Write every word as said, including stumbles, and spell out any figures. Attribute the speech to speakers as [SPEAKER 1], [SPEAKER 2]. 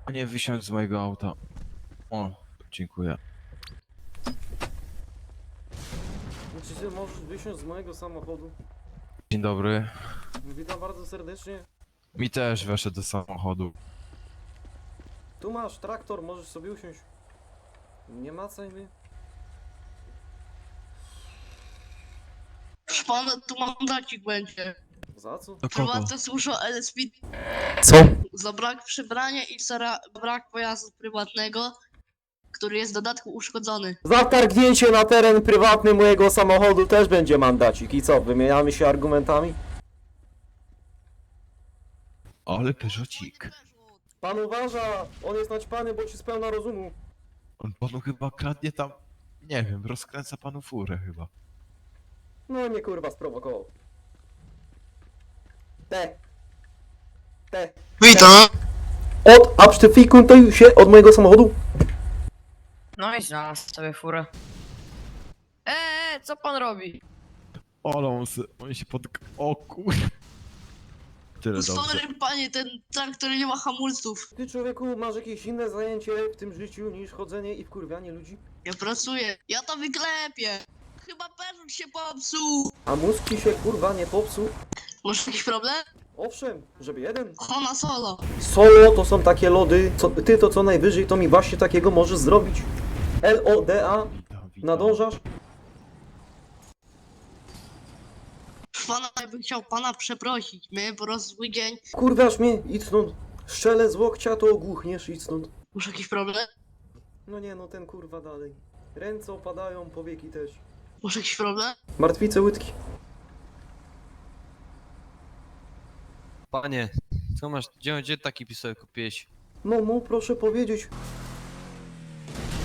[SPEAKER 1] Nie wysiądź z mojego auta. O, dziękuję.
[SPEAKER 2] Czy ty możesz wysiąść z mojego samochodu?
[SPEAKER 1] Dzień dobry.
[SPEAKER 2] Witam bardzo serdecznie.
[SPEAKER 1] Mi też weszedł do samochodu.
[SPEAKER 2] Tu masz traktor, możesz sobie usiąść. Nie macaj mnie.
[SPEAKER 3] Proszę pana, tu mandacik będzie.
[SPEAKER 2] Za co?
[SPEAKER 1] Do kogo?
[SPEAKER 3] Prywatne służba L S P
[SPEAKER 2] Co?
[SPEAKER 3] za brak przybrania i za ra- brak pojazdu prywatnego, który jest w dodatku uszkodzony.
[SPEAKER 2] Za wtargnięcie na teren prywatny mojego samochodu też będzie mandacik. I co, wymieniamy się argumentami?
[SPEAKER 1] Ale Peugeotik.
[SPEAKER 2] Pan uważa, on jest naćpany, bo ci spełna rozumu.
[SPEAKER 1] On panu chyba kradnie tam... Nie wiem, rozkręca panu furę chyba.
[SPEAKER 2] No mnie kurwa sprowokował. Te. Te.
[SPEAKER 3] Witam!
[SPEAKER 2] Od absztyfikuj się od mojego samochodu.
[SPEAKER 4] No i znalazł sobie furę. Eee, co pan robi?
[SPEAKER 1] Ale on, se, on się pod... O kur... Tyle dobrze.
[SPEAKER 3] Sorry panie, ten traktor nie ma hamulców.
[SPEAKER 2] Ty człowieku masz jakieś inne zajęcie w tym życiu niż chodzenie i wkurwianie ludzi?
[SPEAKER 3] Ja pracuję, ja to wyklepię. Chyba Peugeot się popsuł.
[SPEAKER 2] A mózg ci się kurwa nie popsuł?
[SPEAKER 3] Masz jakiś problem?
[SPEAKER 2] Owszem, żeby jeden.
[SPEAKER 3] Hona Solo.
[SPEAKER 2] Solo to są takie lody, co, ty to co najwyżej to mi właśnie takiego możesz zrobić. L O D A,
[SPEAKER 1] Witam, witam.
[SPEAKER 2] nadążasz?
[SPEAKER 3] Proszę pana, ja bym chciał pana przeprosić. Miałem po prostu zły dzień.
[SPEAKER 2] Kurwiasz mnie, idź stąd. Strzelę z łokcia to ogłuchniesz, idź stąd.
[SPEAKER 3] Masz jakiś problem?
[SPEAKER 2] No nie no, ten kurwa dalej. Ręce opadają, powieki też.
[SPEAKER 3] Masz jakiś problem?
[SPEAKER 2] Martwice łydki.
[SPEAKER 5] Panie, co masz, gdzie, gdzie taki pistolet kupiłeś?
[SPEAKER 2] No mu proszę powiedzieć,